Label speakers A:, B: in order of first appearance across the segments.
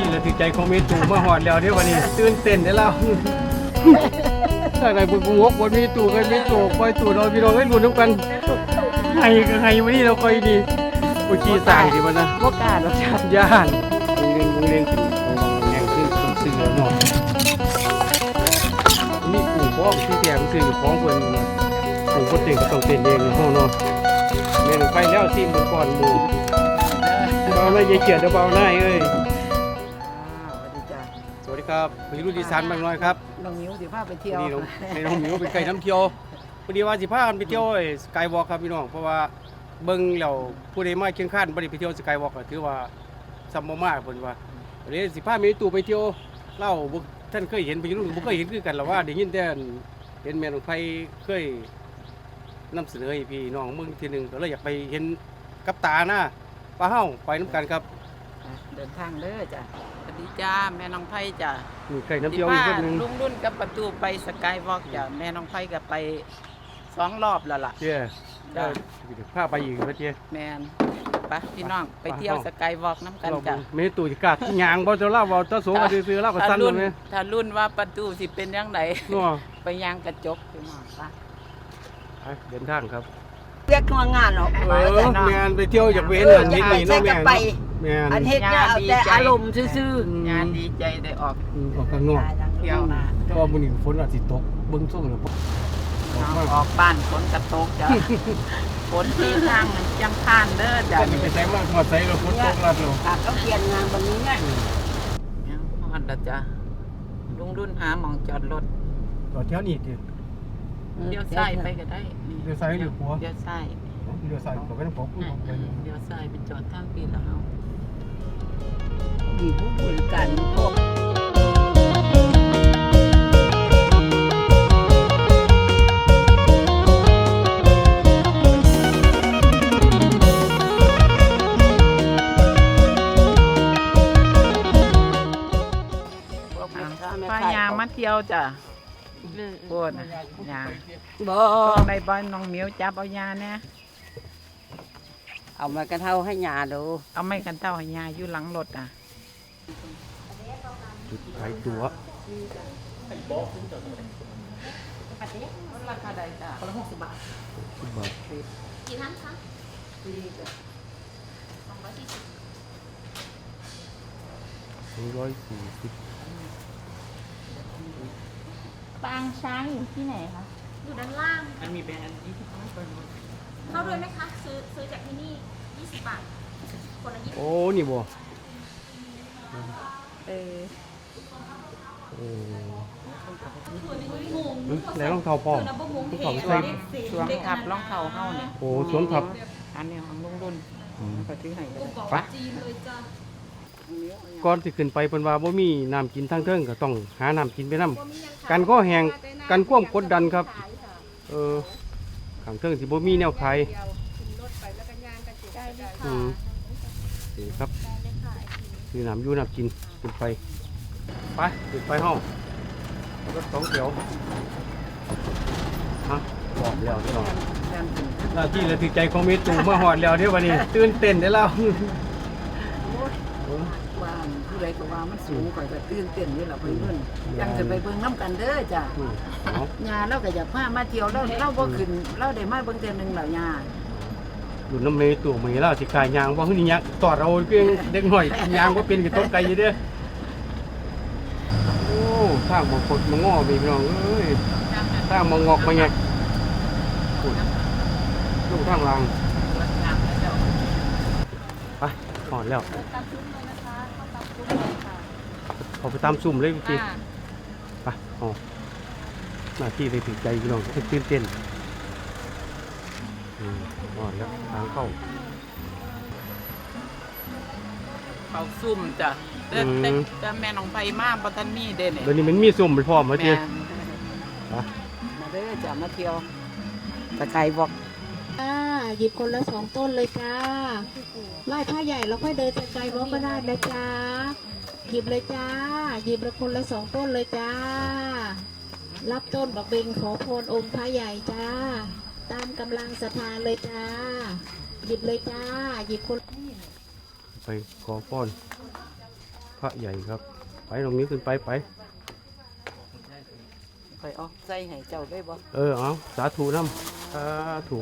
A: ที่เราถือใจของเมตูมาหอดแล้วเดี๋ยววันนี้ตื่นเต้นได้แล้วถ้าไหนบุญวกบนมีตู่กันมีตู่คอยตู่เราพี่น้องให้ลุ้นทุกกันไงก็ไงวันนี้เราคอยดีอุชีสายดีมันนะ
B: พวกกาเราจับ
A: ย่านวงเรียนแรงขึ้นสมสื่อหน่อยนี่กลุ่มพ้องที่แถมสื่อพ้องคนกลุ่มคนเต่งก็ต้องเต้นเองในห้องนอนแม่หนึ่งไปแล้วซีมือก่อนหมูเบาหน้าเยี่ยเกียดเบาหน้าเอ้ยสวัสดีครับพี่รุ่นดีสันบางน้อยครับ
B: น้องมิ้วสิพาไปเที่ยว
A: น้องมิ้วเป็นไก่น้ำเที่ยวพอดีว่าสิพากันไปเที่ยวสกายวอล์กครับพี่น้องเพราะว่าเบิ้งแล้วผู้ใดมาเคียงข้านบ่ได้ไปเที่ยวสกายวอล์กถือว่าซัมโมมาเพิ่นว่าเดี๋ยวสิพาเมตู่ไปเที่ยวเล่าท่านเคยเห็นพี่รุ่นบ่เคยเห็นคือกันหรอกว่าได้ยินแต่เห็นแม่น้องไผเคยนำเสนอให้พี่น้องเมืองทีนึงก็เลยอยากไปเห็นกับตานะป้าเฮาไปน้ำกันครับ
B: เดินทางเด้อจ้ะสวัสดีจ้าแม่น้องไผ่จ้ะ
A: มีไก่น้ำเที่ยวอีกคนนึง
B: ลุงรุ่นกับประตูไปสกายวอล์กจ้ะแม่น้องไผ่ก็ไป2 รอบแล้วล่ะ
A: เจ้าพาไปอีกนะเจ้
B: แม่นไปพี่น้องไปเที่ยวสกายวอล์กน้ำกันจ้ะ
A: เมตู่จะกัดยางบ่จะเล่าบ่จะโสก็ซื้อเล่าก็สั้นเลยมั้ย
B: ถ้ารุ่นว่าประตูสิเป็นยังไงไปยางกระจกพี่น้องไป
A: เดินทางครับ
C: เรียกงานหรอก
A: งานไปเที่ยวจากเว้นนิดหน่อยน้องแม่
C: อันเฮ็ดเนี่ยเอาแต่อารมณ์ซื่อ
B: ๆงานดีใจได้ออก
A: ข้างนอก
B: เที่ยว
A: ก็มื้อนี้ฝนอาจสิตกเบิ่งส่งแล้ว
B: ออกบ้านฝนกระตกจ้ะฝนที่ทางจังพานเด้อจ้ะ
A: ไปใส่มากหอดใส่แล้วฝนตกแล้ว
C: ก็เปลี่ยนงานวันนี้เนี่ย
B: ฮอดแล้วจ้ะลุงรุ่นหาหม่องจอดรถ
A: จอดแถวนี้ดิ
B: เลี้ยวซ้ายไปก็ได้
A: เลี้ยวซ้ายหรือขวา
B: เลี้ยวซ้าย
A: เลี้ยวซ้ายก็ไม่ต้องขอพูดไป
B: เลี้ยวซ้ายไปจอดทางปีแล้ว
C: มีผู้บริการพวก
B: ป้ายางมาเที่ยวจ้ะปวดยา
C: บ่
B: ในบ้านน้องเหมียวจับเอายาเนี่ย
C: เอามากระเท่าให้ยาดู
B: เอาไม่กันเท่าให้ยาอยู่หลังรถอ่ะ
A: จุดขายตั๋ว
B: ราคาใดจ้ะคนละ60 บาท
D: กี่ท่านคะ
A: 240
D: ปางช้างอยู่ที่ไหนคะอยู่ด้านล่าง
B: มันมีแบรนด์20 บาท
D: เข้าด้วยไหมคะซื้อจากที่นี่20 บาทคนละ20
A: โอ้นี่บ่แล้วรองเท้าพร้อม
B: ของใส่สวมทับรองเท้าเฮาเนี่ย
A: โอ้สวมทับ
B: อันนี้ของลุงรุ่นก็ถือให้
A: ไปก่อนสิขึ้นไปเพิ่นว่าบ่มีน้ำกินทางเทิงก็ต้องหาน้ำกินไปนำกันก็แห้งกันความกดดันครับข้างเทิงสิบ่มีแนวขายนี่ครับคือน้ำอยู่น้ำกินขึ้นไปขึ้นไปห้องรถ2 แถวฮะบอกแล้วพี่น้องหน้าที่และถือใจของเมตู่มาหอดแล้วเดี๋ยววันนี้ตื่นเต้นได้แล้ว
C: ว่าผู้ใดก็ว่ามันสูงกว่าก็ตื่นเต้นนี่แหละไปเบิ่งยังจะไปเบิ่งน้ำกันเด้อจ้ะยาเราก็อยากพามาเที่ยวเราบ่ขึ้นเราได้มาเบิ่งเทื่อนึงแล้วยา
A: อยู่น้ำเมตู่มื้อนี้เราสิขายยางบ่คือนี่ยางตอดเอาเพียงเด็กน้อยยางบ่เป็นก็ตกไกลอยู่เด้อโอ้ทางบ่กดบ่งอพี่น้องเอ้ยทางบ่งอกบ่แงกลงทางล่างไปหอดแล้วเอาไปตามซุ่มเลยพี่ไปอ๋อหน้าที่เลยถือใจพี่น้องตื่นเต้นหอดแล้วทางเข้า
B: ซุ่มจ้ะแต่แม่น้องไผ่มาบ่ทันมีเด้เนี่ย
A: เดี๋ยวนี้มันมีซุ่มไปพร้อมแล้วจี
C: มาเด้อจ้ะมาเที่ยวสกายวอล์ก
D: หยิบคนละ2 ต้นเลยจ้าไหว้ผ้าใหญ่แล้วค่อยเดินสกายวอล์กก็ได้นะจ้าหยิบเลยจ้าหยิบละคนละ2 ต้นเลยจ้ารับต้นบักเบงขอพรองค์พระใหญ่จ้าตามกำลังศรัทธาเลยจ้าหยิบเลยจ้าหยิบคน
A: ไปขอพรพระใหญ่ครับไปตรงนี้ขึ้นไป
C: ข่อยเอาใส่ให้เจ้าได้บ่
A: เอาสาธุน้ำสาธุ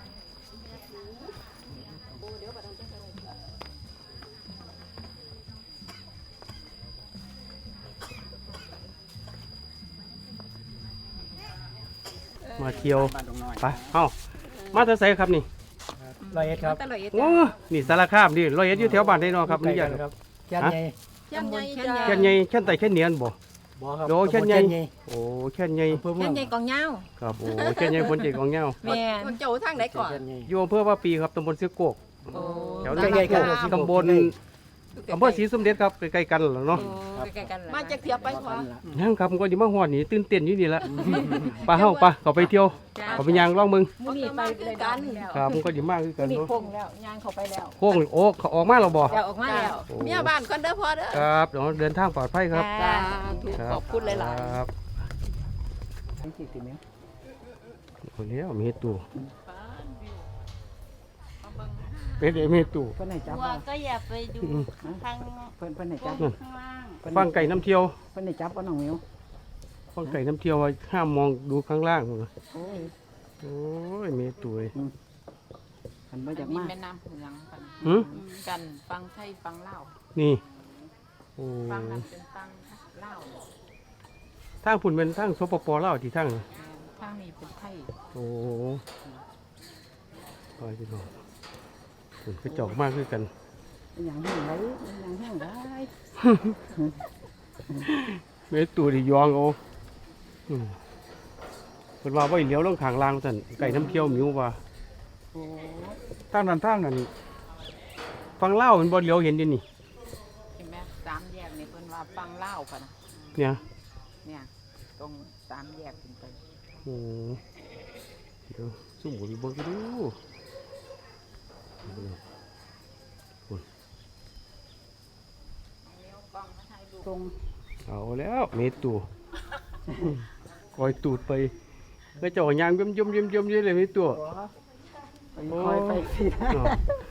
A: มาเที่ยวไปมาแต่ไสครับนี่
E: ร้อยเอ็ดครับ
A: โอ้นี่สารคามนี่ร้อยเอ็ดอยู่แถวบ้านได้เนาะครับนี่
E: ใก
A: ให
E: ล้
A: ญ่
E: กัน
A: ค
E: ครับ รับแค่ใหญ่
C: แค่นใหญ่จ้า
A: แค่นใหญ่แค่นไต่แค่นเนียนบ่
E: บ่ครับ
A: โอ้แค่นใหญ่
E: ตำบล
A: โอ้แค่นใหญ่
E: อำเภอเมื
B: แค่
E: อง
B: ใหญ่กองเงา
A: ครับโอ้แค่นใหญ่คนเจ็กของเงา
B: แม่คนเจ้าทางไหนก่อน
E: แค่ใหญ่
A: อยู่อำเภอว่าปีครับตำบลเสือโกก
B: โอ้
A: แถว
E: ใกล้ๆกัน
A: ตำบลอำเภอศรีสมเด็จครับใกล้ๆกันแล้วเนาะ
B: ใกล้ๆกันมาจากเทียบไปขวา
A: ยังครับผมก็อยู่มาฮอดนี่ตื่นเต้นอยู่นี่ละไปเฮาไปเข้าไปเที่ยวเข้าไปย่างลองมึง
B: มื้อนี้ไปเลยกัน
A: ครับผมก็อยู่มากคือกัน
B: นี่
A: เนาะ
B: คงแล้วย่างเข้าไปแล้ว
A: โค้งโอ้เขาออกมาแล้วบ่
B: แล้วออกมาแล้วเมียบ้านคนเด้อพ่อเด้อ
A: ครับเดี๋ยวเดินทางปลอดภัยครับ
B: จ้า
A: ครับ
B: ขอบคุณหลาย
A: ครับ
E: ทั้งสี่สิบเมตร
A: คนนี้มีเฮ็ดตู้เป็นไอ้เฮ็ดตู้
E: เพิ่นให้จับ
F: วัวก็อย่าไปดู
A: อืม
F: ทาง
E: เพิ่นให้จับ
F: ข้างล่าง
A: ฟังไก่น้ำเที่ยว
E: เพิ่นให้จับก็น้องเหมียว
A: ฟังไก่น้ำเที่ยวว่าห้ามมองดูข้างล่างพุ่นน่ะ
E: โอ้ย
A: โอ้ยมีตู้เอ้ย
E: เพิ่นบ่อยาก
B: มี
E: มา
B: แม่น้ำเมืองกัน
A: หึ
B: กันฟังไทยฟังเล่าว
A: นี่โอ้
B: ฟังนั้นเป็นฟังเล่าว
A: ทางพุ่นเป็นทางสปปลาวที่ทางน่ะ
B: ทางนี้เป็นไทย
A: โอ้ไปพี่น้องพุ่นกระจอกมากคือกัน
E: อย่างแห้งไหลอย่างแห้งไหล
A: เมตูดิยองเอาอืมเพิ่นว่าไว้เลี้ยวลงข้างล่างซั่นไก่น้ำเที่ยวหมิวว่า
E: โอ้
A: ทางนั้นฟังเล่าวมันบ่เลี้ยวเห็นดินี่
B: เห็นไหมสามแยกนี่เพิ่นว่าฟังเล่าวกันนะ
A: เนี่ย
B: เนี่ยตรงสามแยกขึ้นไป
A: โอ้เดี๋ยวสู้บ่เบิ่งกันดูพุ่น
E: ตรง
A: เอาแล้วเมตูคอยตูดไปก็เจ้ายางย่อมๆๆๆเลยเมตู
E: ไปคอยไปสิ
A: อ้าว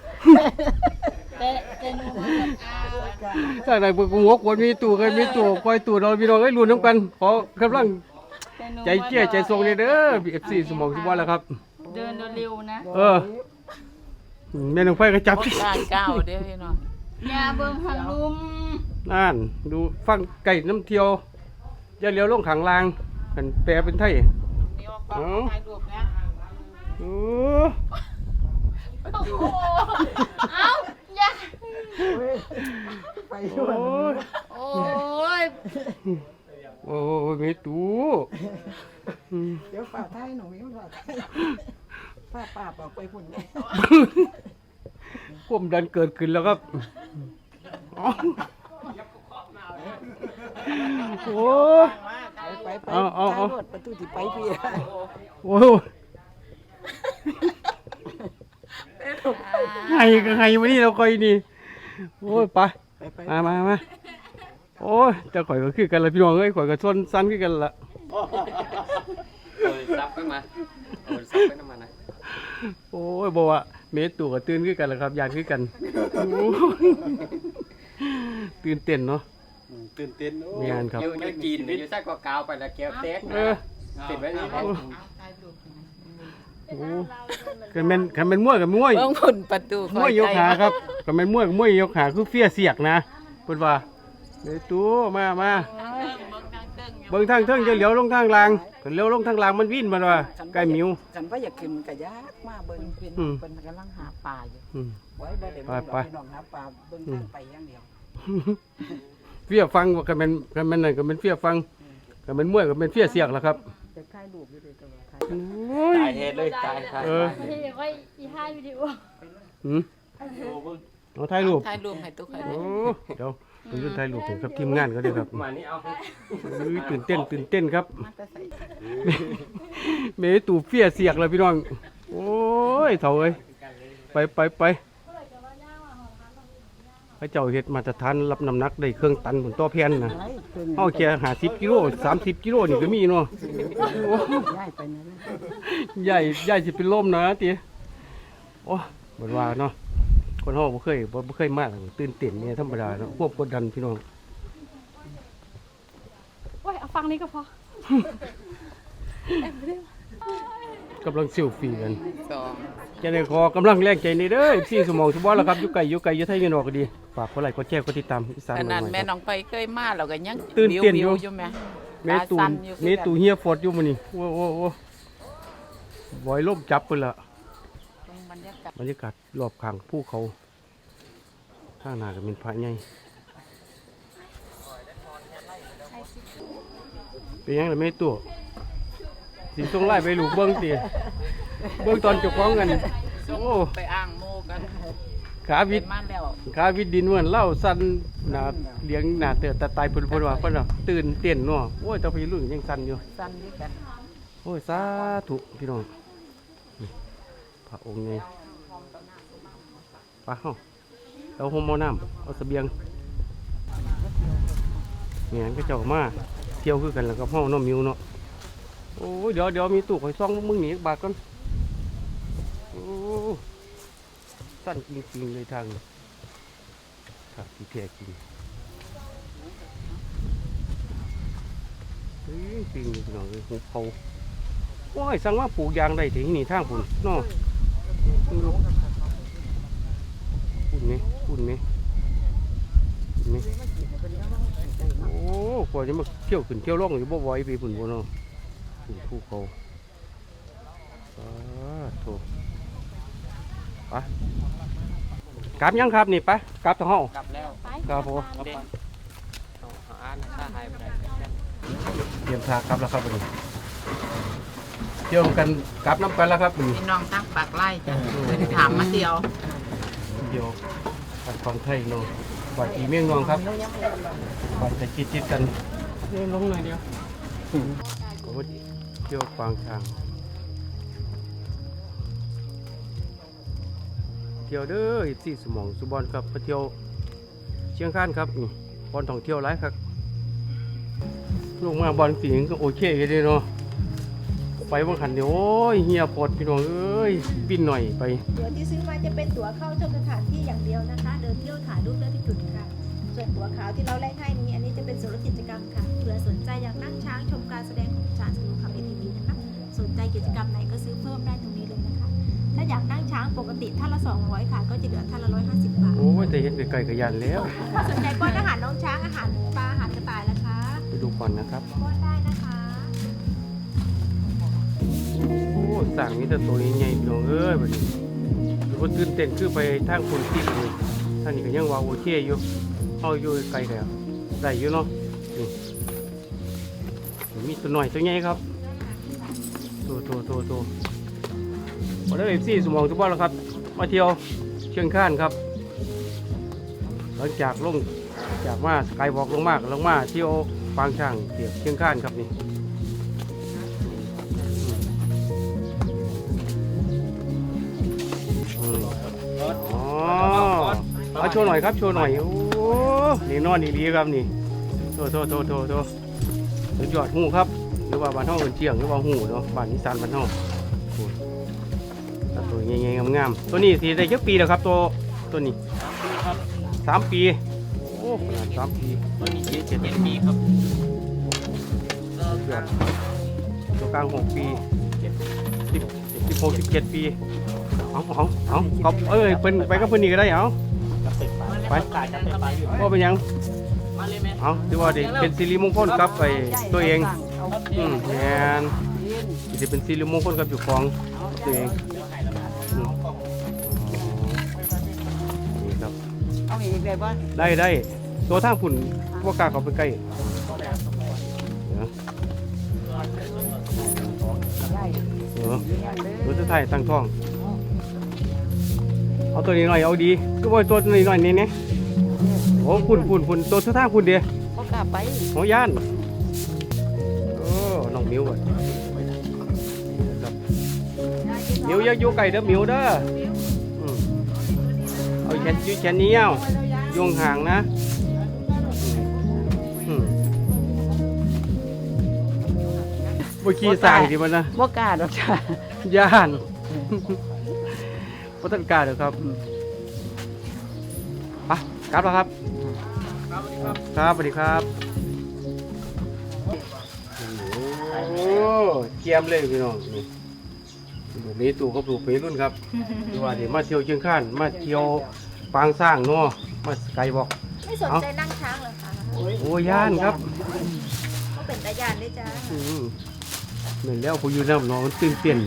F: แต่หนูมากับอา
A: ถ้าไหนเบิ่งหัวคนมีตู้กันมีตู้คอยตู้เราพี่น้องให้ลุ้นนํกันขอกำลัง
F: แต่หนู
A: ใจเกี้ยใจทรงเด้อ FC สมองสิว่าแล้วครับ
F: เดินเร็วๆนะ
A: แม่นองไฟก็จับ
B: ด้านเก้าเด้อพี่น้อง
F: อย่าเบิ่งหันลุม
A: นั่นดูฟังไก่น้ำเที่ยวอย่าเลี้ยวลงข้างล่างกันแปลเป็นไทย
B: นี่ว่ากล้องถ่ายรูปนะ
A: โอ้
F: โอ้โหเอ้าอย่า
E: ไป
A: โ
E: ด้วย
A: อ้ย
F: โอ้ย
A: โอ้ยเมตูอืม
E: เดี๋ยวฝ่าท้ายหนูเหมียวฝ่าท้ายป้าป้าบอกไปพุ่นเลย
A: ความดันเกิดขึ้นแล้วครับอ๋อโอ้ย
E: ไปไป
A: เอา
E: ท้ายรถประตูที่ไปพี่
A: โอ้ยไงก็ไงวันนี้เราคอยนี่โอ้ยไป
E: ไป
A: มาโอ้ยจะข่อยก็คือกันละพี่น้องเอ้ยข่อยก็ชนสั้นคือกันละ
G: ซับขึ้นมาซับขึ้นมานะ
A: โอ้ยบอกว่าเมตตัวก็ตื่นคือกันละครับยานคือกันโอ้ยตื่นเต้นเนาะ
G: ตื่นเต้น
A: มีงานครับ
G: อยู่จีนอยู่ใส่กว่ากาวไปแล้วแก้วเต๊ก
A: เออ
G: ติดไว้นี่
B: เอาถ่ายรูป
A: โอ้กันเป็นมวยกับมวย
B: เบิ่งพุ่นประตู
A: มวยยกขาครับกันเป็นมวยกับมวยยกขาคือเฟี้ยเสียกนะเพิ่นว่าเมตูมาเบิ่งทางเทิงจะเลี้ยวลงทางล่างก็เลี้ยวลงทางล่างมันวิ่นมันว่าใกล้หมิว
E: ฉันว่าอยากขึ้นกะยากมาเบิ่ง
B: เป็น
A: อืม
B: เป็นกำลังหาปลาอยู่
A: อืม
E: ไว้บ่ได้เบิ่งดอกพี่น้องหาปลาเบิ่งทางไปอย่างเดียว
A: เฟี้ยฟังว่ากันเป็นนั่นก็เป็นเฟี้ยฟังกันเป็นมวยก็เป็นเฟี้ยเสียกแล้วครับ
E: จะถ่ายรูปอยู่ด้วยตัวถ่าย
A: โอ้ย
G: ตายเหตุเลยตาย
A: เออ
F: ไม่ใช่ไว้อีห้าวิดีโอ
A: หืมเอาถ่ายรูป
B: ถ่ายรูปให้ตุ๊กให้
A: โอ้เดี๋ยวผมจะถ่ายรูปให้กับทีมงานก็ได้ครับ
G: มานี่เอา
A: ตื่นเต้นครับ
B: มาแต่ใส่
A: เมตูเฟี้ยเสียกแล้วพี่น้องโอ้ยเถ่าเอ้ยไปพระเจ้าเฮ็ดมาตรฐานรับน้ำหนักได้เครื่องตันบนต่อแผ่นนะ
E: ไรเครื่อง
A: เอาแค่50กิโล30กิโลนี่ก็มีเนาะโอ้
E: ย้ายไปนั่นเลย
A: ใหญ่สิเป็นลมนะติโอ้บ่ว่าเนาะคนเฮาบ่เคยมาตื่นเต้นเนี่ยธรรมดาเนาะควบกดดันพี่น้อง
F: ฟังนี้ก็พอก
A: ำลังเซลฟี่กัน
B: สอง
A: จะได้ขอกำลังแรงใจนี่เด้อพี่สมองสุบอลแล้วครับอยู่ไกลอยู่ไทยอยู่นอกก็ดีฝากกดไลค์กดแชร์กดติดตามอีสาน
B: ขนาด
A: ใหม่ๆ
B: แม่
A: ครับ
B: น้องไปเคยมาเราก็ยัง
A: ตื่นเต้นอยู่
B: วิวไหม
A: เมตู
B: ตาสั่นอยู่คือ
A: เมตูเฮียฟอดอยู่มื้อนี้โอ้บอยลมจับเพิ่นละ
B: บรรยากาศ
A: บรรยากาศรอบข้างภูเขาข้างหน้าก็เป็นพระใหญ่เป็นยังไงเมตูสิส่งไล่ไปลูกเบิ่งติเบิ่งตอนเจ้าของกันโอ้
B: ไปอ้างโมกัน
A: ขาวิ
B: เป็
A: ด
B: นมาแล้ว
A: ขาวิดดินเหมือนเล่าสั่นหน้าเลี้ยงหน้าเตือตาตายเพิ่นว่าเพิ่นว่าตื่นเต้นเนาะโอ้ยแตาพี่รุ่นยังสั่นอยู่
B: สั้นด้วยกัน
A: โอ้ยสาธุพี่น้องนี่พระองค์ไงไปเฮาเอาห่มเอาน้ำเอาเสบียงเนี่ยก็เจ้ามาเที่ยวคือกันแล้วก็เฮาเนาะมิวเนาะโอ้ยเดี๋ยวมีตู้ข่อยซ่องมึงหนีบาทก่อนโอ้สั้นจริงๆเลยทางนี้ครับที่แท้จริงจริงเลยพี่น้องเลยหุบเขาโอ้ยสั่งว่าปลูกยางได้ถึงนี่ทางพุ่นเนาะพุ่นไหมโอ้กว่าจะมาเที่ยวขึ้นเที่ยวล่องอยู่บ่ไหวไปพุ่นบ่เนาะภูเขาโถไปกลับยังครับนี่ไปกลับทางห้อง
G: กลับแล้ว
A: ครับผม
G: เด่นเอาอ่านถ้าหายไปได้
A: เตรียมทางกลับแล้วครับวันนี้เที่ยวกันกลับน้ำกันแล้วครับวันนี้
B: พี่น้องตั้งปากไล่จ้ะเป็นถามมาเดียว
A: เดี๋ยวปัดฟังไทยเนาะปัดอีเมี่ยงนองครับปัดจะจิตกันเดินลงหน่อยเดียวโอ้เที่ยวฟังทางเที่ยวเด้อที่สมองสุบอนครับไปเที่ยวเชียงคานครับนี่บอลท่องเที่ยวหลายครับลงมาบอลสีก็โอเคเลยเนาะไปบางขันเดี๋ยวโอ้ยเฮียปวดพี่น้องเอ้ยบินหน่อยไป
H: ตั๋วที่ซื้อมาจะเป็นตั๋วเข้าชมสถานที่อย่างเดียวนะคะ เดินเที่ยวถ่ายรูปได้ที่จุดค่ะ ส่วนตั๋วขาวที่เราแลกให้นี้อันนี้จะเป็นส่วนลดกิจกรรมค่ะเผื่อสนใจอยากนั่งช้างชมการแสดงของช้างสนุกขับ ATV นะคะ สนใจกิจกรรมไหนก็ซื้อเพิ่มได้ตรงนี้เลยนะคะ ถ้าอยากนั่งช้างปกติท่านละ200ค่ะ ก็จะเหลือท่านละ150 บาท
A: โอ้ยแต่เห็นไกลๆกระยันแล้ว
H: ถ้าสนใจป้อนอาหารน้องช้างอาหารปลาอาหารกระต่ายนะคะ
A: ไปดูก่อนนะครับ
H: ป้อนได้นะคะ
A: โอ้สั่งนี้แต่ตัวใหญ่ๆพี่น้องเอ้ยแบบนี้หรือว่าตื่นเต้นคือไปทางคนติดเลยทางนี้ก็ยังว่าโอเคอยู่เอาอยู่ไกลแล้วได้อยู่เนาะนี่มีตัวหน่อยตัวใหญ่ครับโตมาได้เลยสมองทุกบ้านแล้วครับมาเที่ยวเชียงคานครับหลังจากลงจากมาสกายวอล์กลงมาเที่ยวปางช่างเทียบเชียงคานครับนี่อ๋อเอาโชว์หน่อยครับโชว์หน่อยโอ้นี่นอนดีๆครับนี่โทสุดยอดหูครับหรือว่าบ้านห้องเอิ้นเชียงหรือว่าหูเนาะบ้านนิสานบ้านห้องตัวใหญ่ๆงามๆตัวนี้สีได้ยักปีแล้วครับตัวนี้3 ปีโอ้ขนาด3 ปี
G: ตอนนี้7 ปีครับ
A: ยอดตัวกลาง6 ปี16 17 ปีเอาเขาเป็นไปกับเพื่อนนี่ก็ได้เอาไปก็เป็นยัง
G: มาเลยแม่
A: เอาถือว่าได้เป็นสิริมงคลกับไปตัวเองแมนจะเป็นสิริมงคลกับอยู่ของตัวเองนี่ครับ
B: เอาอีกได้บ่
A: ได้ตัวทางฝุ่นพวกกล้าเขาไปใกล้ตัวสุดท้ายตั้งท้องเอาตัวนี้หน่อยเอาดีก็ว่าตัวนี้หน่อยนี่เนี่ยโอ้ฝุ่นตัวสุดท้ายฝุ่นเดียว
B: บ่กล้าไป
A: หัวย่านโอ้น้องมิวอ่ะมิวอย่าอยู่ไก่เด้อมิวเด้อเอาแขนนี้เอาโยงห่างนะบ่ขี้สายดิมันนะ
B: บ่กล้าดอกจ้ะ
A: ย่านบ่ทันกล้าเด้อครับไปกลับแล้วครับครับสวัสดีครับเกียมเลยพี่น้องนี่ลูกนี้ตู่กับลูกเปรุ่นครับดูว่าเดี๋ยวมาเที่ยวเชียงคานมาเที่ยวปางสร้างเนาะมาสกายวอล์ก
H: ไม่สนใจนั่งช้างเหรอคะ
A: โอ้ย่านครับ
H: ก็เป็นตาญาณด้วยจ้า
A: เหมือนแล้วผู้อยู่น้ำน้องมันตื่นเต้น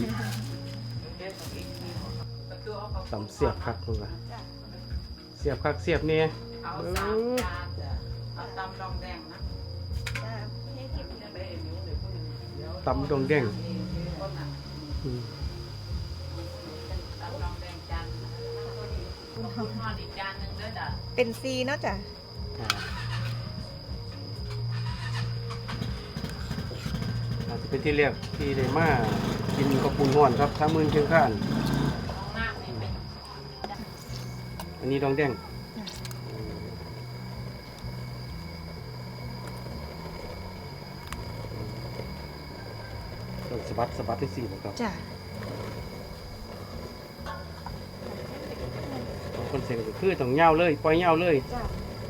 A: ตำเสียบคักเลยว่ะเสียบคักเสียบเนี่ย
B: เอา3จานจ้ะเอาตำดองแดงนะ
H: จ้าให้กิน
A: ตำดองแดง
B: ตำดองแดงจานคุณพ่ออีกจานหนึงเด้อจ้ะ
H: เป็นซีเนาะจ้ะ
A: อาจจะเป็นที่เรียกที่ได้มากินกระปุนห่อนครับถ้ามือเชียงคาน
B: ของมากนี่เป็น
A: อันนี้ดองแดงสะบัดสะบัดที่สี่ครับ
H: จ้ะ
A: คนเสียงก็คือต้องเงาเลยปล่อยเงาเลย
H: จ้ะ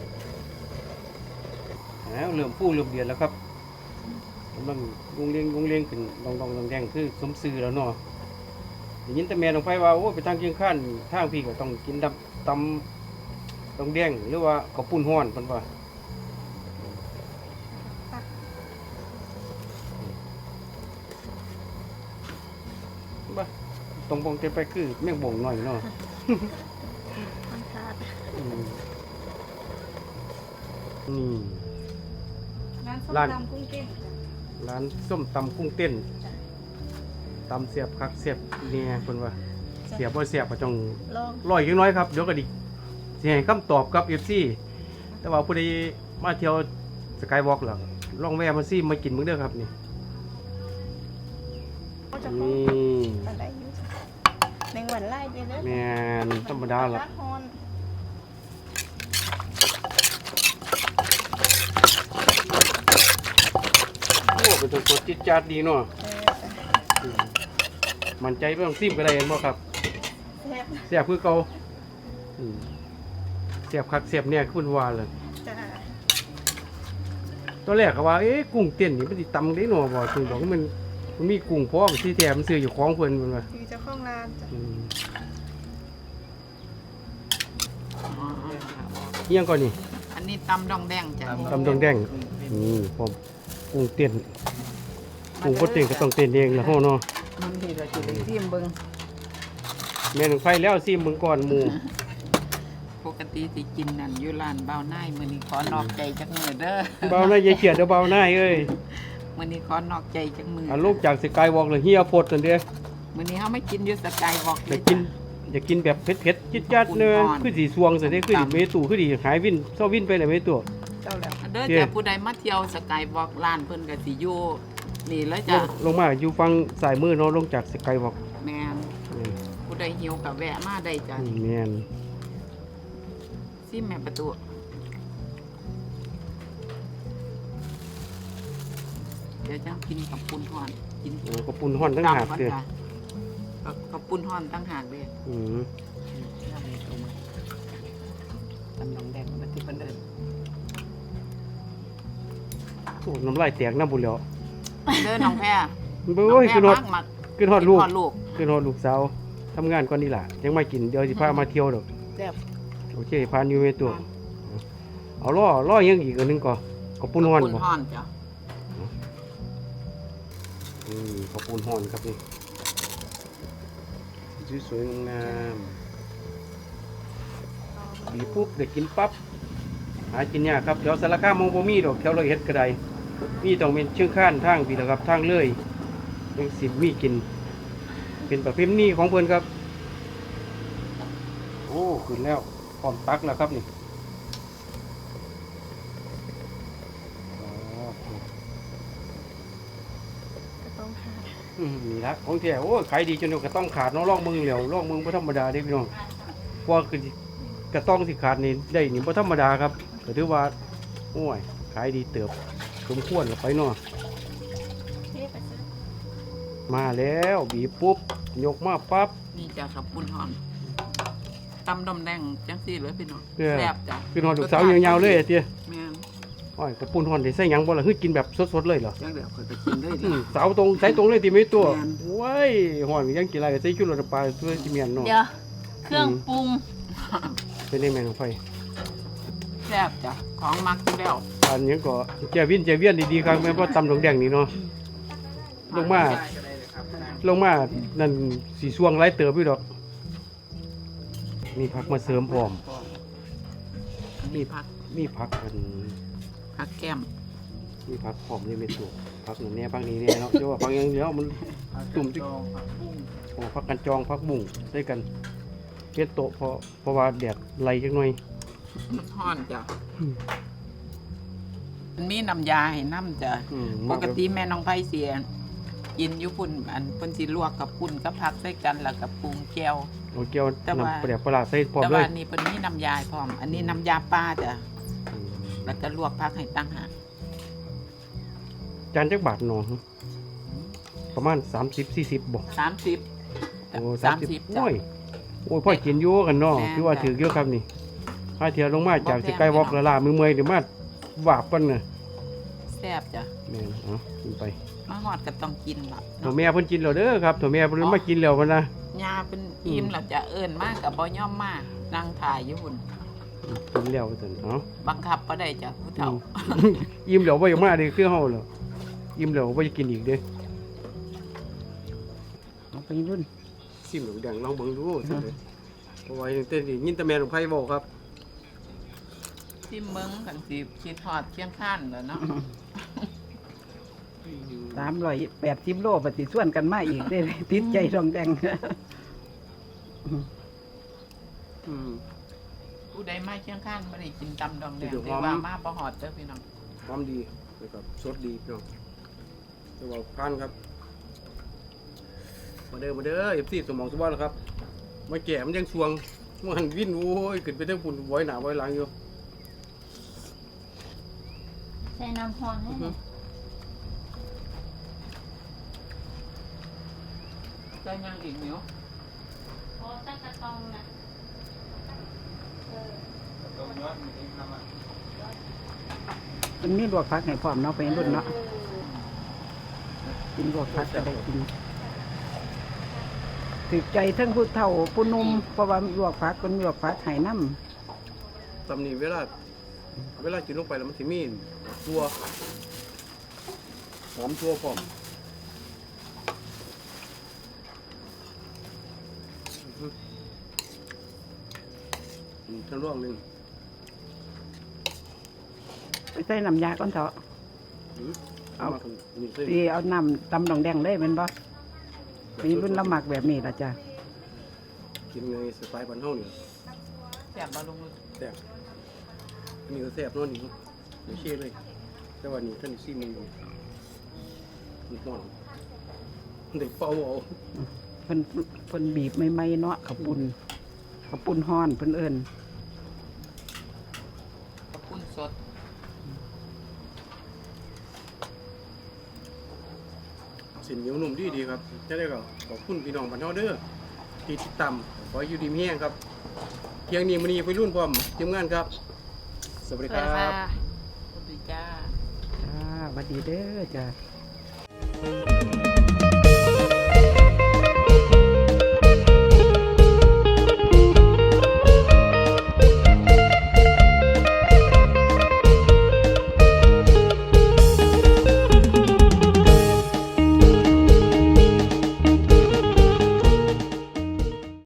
A: แล้วเริ่มฟูเริ่มเดือดแล้วครับกำลังวงเลี้ยงขึ้นดองแดงคือสมซื่อแล้วเนาะได้ยินแต่แม่ลงไปว่าโอ้ไปทางเชียงคานทางพี่ก็ต้องกินตำดองแดงหรือว่าข้าวปุ้นห้อนเพิ่นว่าบ้าตรงบงเต็มไปคือแม่งบ่งหน่อยเนาะ
H: มันขาด
A: นี่
H: ร้านส้มตำกุ้งเต้น
A: ร้านส้มตำกุ้งเต้นตำเสียบคักเสียบเนี่ยคนว่าเสียบบ่เสียบก็ต้อง
H: ลอง
A: ร้อยยังน้อยครับเดี๋ยวก็ดิสิให้คำตอบกับ FC แต่ว่าผู้ใดมาเที่ยวสกายวอล์กหรอลองแวะมาซิมากินมื้อเด้อครับนี่
H: ก็จะ
A: นี่
H: อะไรอยู่จ้ะในวันไล่ไปเลย
A: แม่นธรรมดาล่ะ
H: ร้านฮอน
A: โอ้เป็นตัวสดจิตจัดดีเนาะมั่นใจบ่ต้องซิมก็ได้เห็นบ่ครับ
H: แซ่บ
A: เสียบคือเก่าเสียบคักเสียบเนี่ยคุณว่าเลย
H: จ้ะ
A: ตอนแรกก็ว่าเอ๊ะกุ้งเต้นนี่มันสิตำได้หนอบ่ถึงบอกว่ามันมีกุ้งพร้อมที่แถมนซื้ออยู่ของเพิ่นเพิ่นว่า
H: คือเจ้าของร้านจ้ะ
A: เอียงก่อนนี่
B: อันนี้ตำดองแดงจ้ะ
A: ตำดองแดงนี่พร้อมกุ้งเต้นกุ้งบ่เต้นก็ต้องเต้นเองล่ะเฮาเนาะ
C: มันที่เราสิได้ซิมเบิ่ง
A: แม่นไฟแล้วซิมเบิ่งก่อนหมู่
B: ปกติสิกินนั่นอยู่ร้านเบาหน้ายมื้อนี้ขอนอกใจจักมื้อเด้อ
A: เบาหน้าอย่าเขียดเด้อเบาหน้าเอ้ย
B: มื้อนี้ขอนอกใจจักมื้อ
A: อันลูกจากสกายวอล์กเลยเฮียโพดนั่นเด้อ
B: มื้อนี้เฮาไม่กินอยู่สกายวอล์ก
A: อยากกินอยากกินแบบเผ็ดๆจิ๊ดๆเด้อคือสิสวงซะเด้อคือสิเมตุคือสิหายวินเซาวินไปเลยเมตุ
C: เจ้าแล้ว
B: เด้อจ้ะผู้ใดมาเที่ยวสกายวอล์กร้านเพิ่นก็สิอยู่นี่เลยจ้ะ
A: ลงมาอยู่ฝั่งซ้ายมือเนาะลงจากสกายวอล์ก
B: แม่นผู้ใดหิวก็แวะมาได้จ้ะ
A: แม่น
B: ซิแม่ประตูเดี๋ยวจังกินกับปุ้นห่อนกิน
A: โอ้ก็ปุ่นฮ้อนทั้งหาก
B: ก่อน
A: เด้อ
B: จ้ะกับปุ้นห่อนตั้งหากเด้อ
A: อืม
B: ตำดองแดงมาที่เพิ่นเอิ้น
A: โอ้น้ำลายแตกน้ำบุญแล้ว
B: เด้อน้องแพร
A: เบ้ยคือฮอด
B: มัก
A: คือฮอดลูก
B: ฮอดลูก
A: คือฮอดลูกสาวทำงานก่อนนี่ล่ะยังไม่กินเดี๋ยวสิพามาเที่ยวดอก
B: แซ่บ
A: โอเคพาอยู่ในตัวเอาล่อยังอีกอันหนึงก่อนก็ปุ่นฮ้อน
B: ปุ้น
A: บ่
B: ห่อนจ้ะ
A: ข้าวปูนฮ้อนครับนี่สวยๆงามๆบีบปุ๊บได้กินปั๊บหากินยากครับแถวสารคามมองบ่มีดอกแถวเราเฮ็ดก็ได้มีต้องเป็นเชียงคานทางพี่ละครับทางเลยยังสิมีกิน เป็นประเพณีของเพิ่นครับโอ้ขึ้นแล้วพร้อมตักแล้วครับนี่นี่ละของแท้โอ้ขายดีจนกระต้องขาดเนาะล่องมึงเหลียวล่องมึงบ่ธรรมดาเด้พี่น้องเพราะคือกระต้องสิขาดนี่ได้นี่บ่ธรรมดาครับก็ถือว่าโอ้ยขายดีเติบสมควรแล้วไปเนาะมาแล้วบีบปุ๊บยกมาปั๊บ
B: นี่จ้ะกับปุ้นห่อนตำดองแดงจังซี่เลยพี่น้อง
A: เออ
B: แซ่บจ้ะ
A: คือหอดลูกสาว ยาวๆเลยอะเตี้ย
B: แม่น
A: หอ้อยกระปุ้นฮ้อนได้ใส่หยังบ่ล่ะคือกินแบบสดๆเลยเหรอ
C: จังเดี๋ยวข่อยก็กินเลยดิ
A: สาวตรงใส่ตรงเลยติไม่ตัว
C: แม่น
A: โอ้ยฮ้อนยังกินอะไรก็ใส่ชูรสน้ำปลาตัวสิเมียนเนาะ
B: เดี๋ยวเครื่องปรุง
A: เป็นได้แม่น้องไฟ
B: แซ่บจ้ะของมักอยู่แล้ว
A: อันหยังก็แจ่เวียนดีๆครับแม่นบ่ตำดองแดงนี่เนาะลงมานั่นสีสวงหลายเติบอยู่ดอกมีผักมาเสริมพร้อม
B: มีผัก
A: มีผักอัน
B: ผักแก้ม
A: มีผักพร้อมเลยแม่ตัวผักนั่นแน่ผักนี้แน่เนาะเดี๋ยวว่าผักอย่างเดียวมันตุ่มจิโอ้ผักกันจองผักบุ้งใส่กันเฮ็ดโตะเพราะว่าแดดไหลจักหน่อย
B: มันฮ้อนจ้ะ
A: อืม
B: มันมีน้ำยาให้น้ำจ้ะ ปกติแม่น้องไผเสียกินอยู่พุ่นอันเพิ่นสิลวกกับปุ่นกับผักใส่กันแล้วก็ปรุงแก้ว
A: โอ้เกี่ยว
B: แต่ว่า
A: น้ำปลาแดกปลาร้าใส่พร้อม
B: แต่
A: เล
B: ว่าย อันนี้เพิ่นมีน้ำยาพร้อม อันนี้น้ำยาปลาจ้ะ
A: อืม
B: แล้วก็ลวกผักให้ตั้งหาก
A: จานจักบาทเนาะประมาณ30-40บ่
B: 30
A: โอ้
B: 30
A: โอ้ยโอ้ยพ่อกินอยู่กันเนาะ
B: แม่น
A: คือว่า
B: จ้ะ
A: ถือเยอะครับนี่ถ้าเที่ยวลงมาจาก
B: บ่แพง
A: สกายวอล์ก
B: พี่น้
A: ละ
B: อง
A: ลามือเมื่อยเดี๋ยวมาบาปกันน่ะ
B: แซ่บจ้ะ
A: แม่นเอากินไป
B: มาฮอดก็ต้องกินล่ะ
A: ถั่วแม่เพิ่นกินแล้วเด้อครับถั่วแม่เพิ่นมากินแล้วพุ่นนะ
B: ยาเป็นอิ่มแล้วจะเอิ้นมากก็บ่ยอมมานั่งถ่ายอยู่พุ่น
A: กินแล้วซั่นเนาะ
B: บังคับบ่ได้จ้ะผู้เฒ่า
A: อิ่มแล้วบ่อยากมาเด้คือเฮาแล้วอิ่มแล้วบ่อยากกินอีกเด้
C: เอาไปรุ่น
A: ซิมหนูแดงลองเบิ่งดูซั่นเด้เพราะว่าเต้นนี่ยินแต่แม่ของไผเว้าครับ
B: ซิมเบิ่งกันสิคิดฮอดเคียงข้านแล้วเนาะ
C: 380โลปฏิส่วนกันมาอีกได้เลยติดใจดองแดง
A: อืม
B: ผู้ใดมาเคียงข้านบ่ได้กินตำดองแดง
A: เดี๋ยว
B: ถือว่ามาบ่ฮอดเด้อพี่น้อง
A: ความดีนะครับสดดีพี่น้องแต่ว่าผ่านครับมาเด้อ FC สมองสมบัติครับมาแก่มันยังสวงมันวิ่นโอ้ยขึ้นไปทั้งปุ่นไว้หน้าไว้หลังอยู่
F: ใส่น้ำพรให้หน่อย
B: จะยังอีกเหนียว
F: โอ้ตั้งกระตองนะ
C: มันมีลวกผักให้พร้อมเนาะไปรุ่นเนาะกินลวกผักก็ได้กินถือใจทั้งผู้เฒ่าผู้หนุ่มเพราะว่าลวกผักคนลวกผักให้น้ำ
A: ตำนี้เวลากินลงไปแล้วมันสิมีตัวหอมตัวพร้อมทั้งร่วงหนึ่ง
C: ไปใส่น้ำยาก่อนเถอะ
A: เอามาถึงนี่เส้น
C: ที่เอาน้ำตำดองแดงเลยเป็นบ่มีรุ่นละหมักแบบนี้ละจ้ะ
A: กินในสไตล์บ้านเฮาเนี่ย
B: แซ่บบ่ลงมือ
A: แซ่บอันนี้ก็แซ่บเนาะนี่ไม่เชื่อเลย แต่ว่านี่ท่านซีมึงอยู่มันห่อนเด็กเฝ้าเอา
C: เพิ่นบีบใหม่ๆเนาะขาวปุ้นฮ้อนเพิ่นเอิ้น
B: ขอบคุณสด
A: สินเหนียวนุ่มดีครับจะได้ก็ขอบคุณพี่น้องบ้านเฮาเด้อที่ติดตามขออยู่ดีมีแห้งครับเที่ยงนี้มื้อนี้ไปรุ่นพร้อมทีมงานครับ สวัสดีครับ
B: สวัสดีจ้า
C: จ้าสวัสดีเด้อจ้า